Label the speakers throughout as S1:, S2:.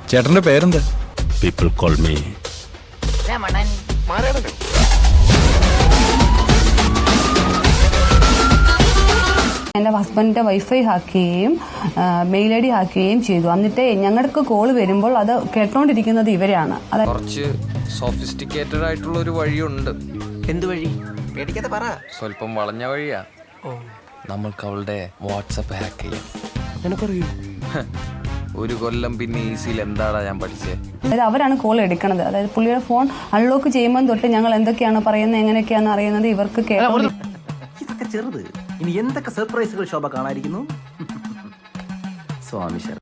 S1: ചേട്ടന്റെ പേരെന്താ?
S2: People call me
S3: എൻ്റെ ഹസ്ബൻഡിന്റെ വൈഫൈ ഹാക്ക് ചെയ്യുകയും മെയിൽ ഐ ഡി ഹാക്ക് ചെയ്യുകയും ചെയ്തു. എന്നിട്ട് ഞങ്ങൾക്ക് കോൾ വരുമ്പോൾ അത് കേട്ടോണ്ടിരിക്കുന്നത് ഇവരാണ്.
S4: കുറച്ച് സോഫിസ്റ്റിക്കേറ്റഡ് ആയിട്ടുള്ള ഒരു വഴിയുണ്ട്.
S5: എന്ത് വഴി? പേടിക്കാതെ പറ.
S4: സ്വല്പം വളഞ്ഞ വഴിയാ. നമ്മൾക്ക് അവളുടെ വാട്സപ്പ് ഹാക്ക് ചെയ്യാം.
S5: നിനക്കറിയൂ?
S4: ഒരു കൊല്ലം പിന്നെ ഈസിയിൽ എന്താടാ ഞാൻ പഠിച്ചേ.
S3: അതായത് അവരാണ് കോൾ എടുക്കുന്നത്. അതായത് പുള്ളിയുടെ ഫോൺ അൺലോക്ക് ചെയ്യുമ്പോൾ തൊട്ട് ഞങ്ങൾ എന്തൊക്കെയാണ് പറയുന്നത്, എങ്ങനെയൊക്കെയാണ് അറിയുന്നത് ഇവർക്ക്
S5: ഇതൊക്കെ ചെറുത്. ഇനി എന്തൊക്കെ സർപ്രൈസുകൾ ശോഭ കാണാതിരിക്കുന്നു. സ്വാമി ശരണം.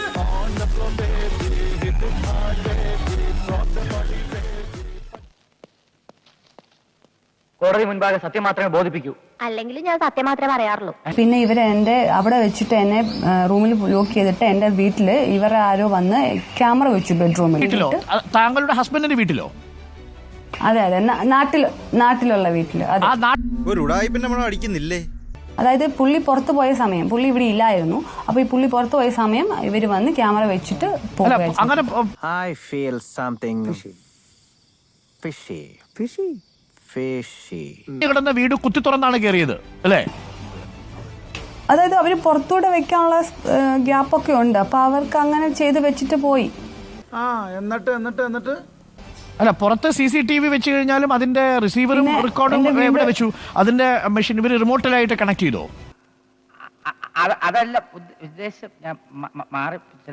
S6: കോടതി മുൻപാകെ സത്യം മാത്രമേ ബോധിപ്പിക്കൂ.
S7: അല്ലെങ്കിൽ ഞാൻ സത്യം മാത്രമേ പറയാറുള്ളൂ.
S3: പിന്നെ ഇവരെ എന്റെ അവിടെ വെച്ചിട്ട് എന്നെ റൂമിൽ ലോക്ക് ചെയ്തിട്ട് എന്റെ വീട്ടില് ഇവരെ ആരോ വന്ന് ക്യാമറ വെച്ചു ബെഡ്റൂമിൽ.
S8: താങ്കളുടെ ഹസ്ബൻഡിന്റെ വീട്ടിലോ?
S3: അതെ അതെ, നാട്ടിലുള്ള വീട്ടില്.
S1: ഒരു ഉടായിപ്പിന്റെ മണം അടിക്കുന്നില്ലേ?
S3: അതായത് പുള്ളി പുറത്തു പോയ സമയം, പുള്ളി ഇവിടെ ഇല്ലായിരുന്നു. അപ്പൊ ഈ പുള്ളി പുറത്തു പോയ സമയം ഇവര് വന്ന് ക്യാമറ വെച്ചിട്ട്
S8: അങ്ങനെ
S5: I feel something fishy. Fishy? Fishy.
S8: കിടന്ന വീട് കുത്തി തുറന്നാണ് കയറിയത് അല്ലേ?
S3: അതായത് അവര് പുറത്തൂടെ വെക്കാനുള്ള ഗ്യാപ്പൊക്കെ ഉണ്ട്. അപ്പൊ അവർക്ക് അങ്ങനെ ചെയ്ത് വെച്ചിട്ട് പോയി.
S9: എന്നിട്ട്
S8: അല്ല, പുറത്ത് CCTV വെച്ച് കഴിഞ്ഞാലും അതിന്റെ റിസീവറും റെക്കോർഡും എവിടെ വെച്ചു? അതിന്റെ മെഷീൻ ഇവര് റിമോട്ടിലായിട്ട് കണക്ട് ചെയ്തോ?
S6: അതല്ല ഉദ്ദേശം. ഞാൻ മാറി ചില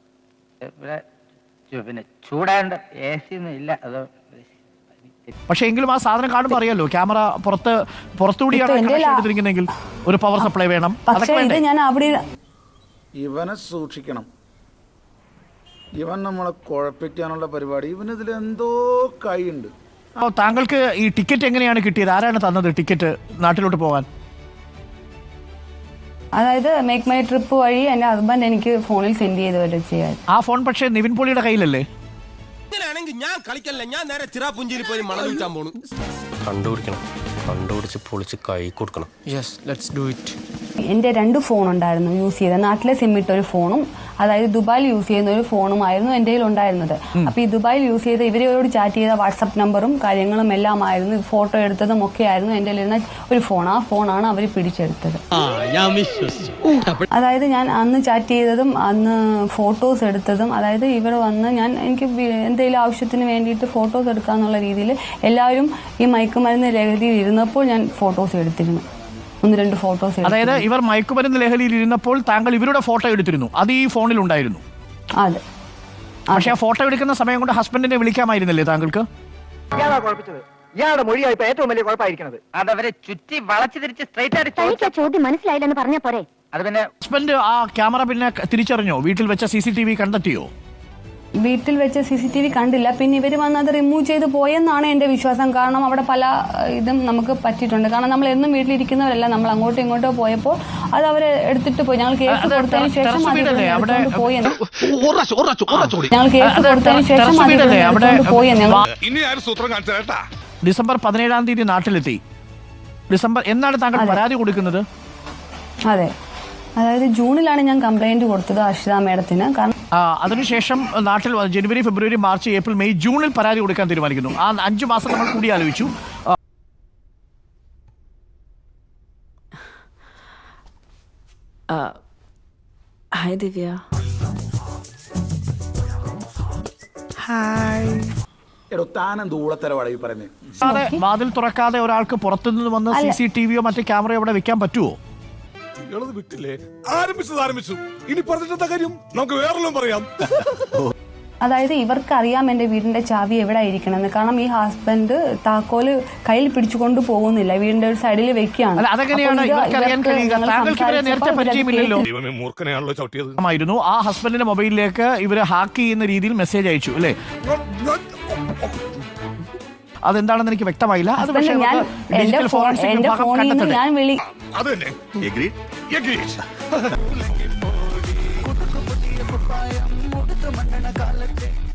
S6: പിന്നെ ചൂടാണ്ട് AC ഒന്നും ഇല്ല. അത്
S8: പക്ഷെ എങ്കിലും ആ സാധനം കാണുമ്പോൾ അറിയാലോ ക്യാമറ പുറത്തുകൂടിയാണ് എടുത്തിരിക്കുന്നെങ്കിൽ ഒരു പവർ സപ്ലൈ വേണം.
S3: പക്ഷേ ഇത് ഞാൻ അവിടെ
S9: ഇവനെ സൂക്ഷിക്കണം. ഇവൻ നമ്മളെ കുഴപ്പിക്കാനുള്ള പരിപാടി. ഇവനിതിൽ എന്തോ കൈയുണ്ട്.
S8: താങ്കൾക്ക് ഈ ടിക്കറ്റ് എങ്ങനെയാണ് കിട്ടിയത്? ആരാണ് തന്നത് ടിക്കറ്റ് നാട്ടിലോട്ട് പോകാൻ?
S3: അതായത് മേക്ക് മൈ ട്രിപ്പ് വഴി എന്റെ ഹസ്ബൻഡ് എനിക്ക് ഫോണിൽ സെൻഡ് ചെയ്ത് വരെ ചെയ്യാൻ.
S8: ആ ഫോൺ പക്ഷേ നിവിൻ പോളിയുടെ കയ്യിലല്ലേ?
S10: ഞാൻ കളിക്കല്ല, ഞാൻ നേരെ ചിറാപുഞ്ചിയിൽ പോയി മണം വിൽക്കാൻ പോണു.
S2: കണ്ടുപിടിച്ച് പൊളിച്ച് കൈ കൊടുക്കണം.
S4: Yes, let's do it.
S3: എന്റെ 2 ഫോൺ ഉണ്ടായിരുന്നു യൂസ് ചെയ്ത. നാട്ടിലെ സിം ഇട്ട ഒരു ഫോണും അതായത് ദുബായിൽ യൂസ് ചെയ്യുന്ന ഒരു ഫോണുമായിരുന്നു എൻ്റെ കയ്യിൽ ഉണ്ടായിരുന്നത്. അപ്പൊ ഈ ദുബായിൽ യൂസ് ചെയ്ത ഇവരോട് ചാറ്റ് ചെയ്ത വാട്സപ്പ് നമ്പറും കാര്യങ്ങളും എല്ലാം ആയിരുന്നു, ഫോട്ടോ എടുത്തതും ഒക്കെ ആയിരുന്നു എൻ്റെ കയ്യിലിരുന്ന ഒരു ഫോൺ. ആ ഫോണാണ് അവർ പിടിച്ചെടുത്തത്. അതായത് ഞാൻ അന്ന് ചാറ്റ് ചെയ്തതും അന്ന് ഫോട്ടോസ് എടുത്തതും, അതായത് ഇവർ വന്ന് എനിക്ക് എന്തെങ്കിലും ആവശ്യത്തിന് വേണ്ടിയിട്ട് ഫോട്ടോസ് എടുക്കാന്നുള്ള രീതിയിൽ എല്ലാവരും ഈ മയക്കുമരുന്ന് ലഹരിയിൽ ഇരുന്നപ്പോൾ ഞാൻ ഫോട്ടോസ് എടുത്തിരുന്നു. 1-2 ഫോട്ടോസ്.
S8: അതായത് ഇവർ മയക്കുമരുന്ന് ലഹരിയിൽ ഇരുന്നപ്പോൾ താങ്കൾ ഇവരുടെ ഫോട്ടോ എടുത്തിരുന്നു. അത് ഈ ഫോണിൽ ഉണ്ടായിരുന്നു.
S3: അതെ.
S8: പക്ഷെ ആ ഫോട്ടോ എടുക്കുന്ന സമയം കൊണ്ട് ഹസ്ബൻഡിനെ വിളിക്കാമായിരുന്നില്ലേ താങ്കൾക്ക്?
S6: ഇയാളുടെ മൊഴിയായിപ്പോ ഏറ്റവും വലിയ കുഴപ്പമായിരിക്കുന്നത്. അതവരെ ചുറ്റി വളച്ചു തിരിച്ച് സ്ട്രൈറ്റ് ആയിട്ട്
S7: ചോദ്യം മനസ്സിലായില്ലെന്ന് പറഞ്ഞ പോരെ.
S6: അത് പിന്നെ
S8: ഹസ്ബൻഡ് ആ ക്യാമറ പിന്നെ തിരിച്ചറിഞ്ഞോ? വീട്ടിൽ വെച്ച CCTV കണ്ടെത്തിയോ?
S3: വീട്ടിൽ വെച്ച് CCTV കണ്ടില്ല. പിന്നെ ഇവർ വന്ന് അത് റിമൂവ് ചെയ്ത് പോയെന്നാണ് എന്റെ വിശ്വാസം. കാരണം അവിടെ പല ഇതും നമുക്ക് പറ്റിയിട്ടുണ്ട്. കാരണം നമ്മൾ എന്നും വീട്ടിലിരിക്കുന്നവരല്ല, നമ്മൾ അങ്ങോട്ടോ ഇങ്ങോട്ടോ പോയപ്പോൾ അത് അവരെ എടുത്തിട്ട് പോയി. ഞങ്ങൾ കേസ് കൊടുത്തതിന് ശേഷം പോയി.
S8: ഡിസംബർ 17-ാം തീയതി നാട്ടിലെത്തി. എന്നാണ് താങ്കൾ പരാതി കൊടുക്കുന്നത്?
S3: അതെ, അതായത് ജൂണിലാണ് ഞാൻ കംപ്ലൈന്റ് കൊടുത്തത് അർഷിത മേഡത്തിന്. കാരണം
S8: അതിനുശേഷം നാട്ടിൽ January, February, March, April, May, ജൂണിൽ പരാതി കൊടുക്കാൻ തീരുമാനിക്കുന്നു. ആ 5 മാസം നമ്മൾ കൂടി ആലോചിച്ചു.
S11: ഹായ് ദിവ്യ.
S8: വാതിൽ തുറക്കാതെ ഒരാൾക്ക് പുറത്തുനിന്ന് വന്ന് CCTVയോ മറ്റു ക്യാമറയോ അവിടെ വെക്കാൻ പറ്റുമോ?
S10: വിട്ടില്ലേ? ആരംഭിച്ചു. ഇനി പറഞ്ഞിട്ടെന്താ കാര്യം? നമുക്ക് വേറെല്ലാം പറയാം.
S3: അതായത് ഇവർക്ക് അറിയാം എന്റെ വീടിന്റെ ചാവി എവിടെ ഇരിക്കണമെന്ന്. കാരണം ഈ ഹസ്ബൻഡ് താക്കോല് കയ്യിൽ പിടിച്ചുകൊണ്ട് പോകുന്നില്ല, വീടിന്റെ ഒരു സൈഡിൽ വെക്കുകയാണ്.
S8: ആ ഹസ്ബൻഡിന്റെ മൊബൈലിലേക്ക് ഇവര് ഹാക്ക് ചെയ്യുന്ന രീതിയിൽ മെസ്സേജ് അയച്ചു അല്ലേ? അതെന്താണെന്ന് എനിക്ക് വ്യക്തമായില്ല. അത് പക്ഷേ
S3: എന്റെ ഫോണിൽ നിന്ന് ഞാൻ വിളി
S10: Agreed.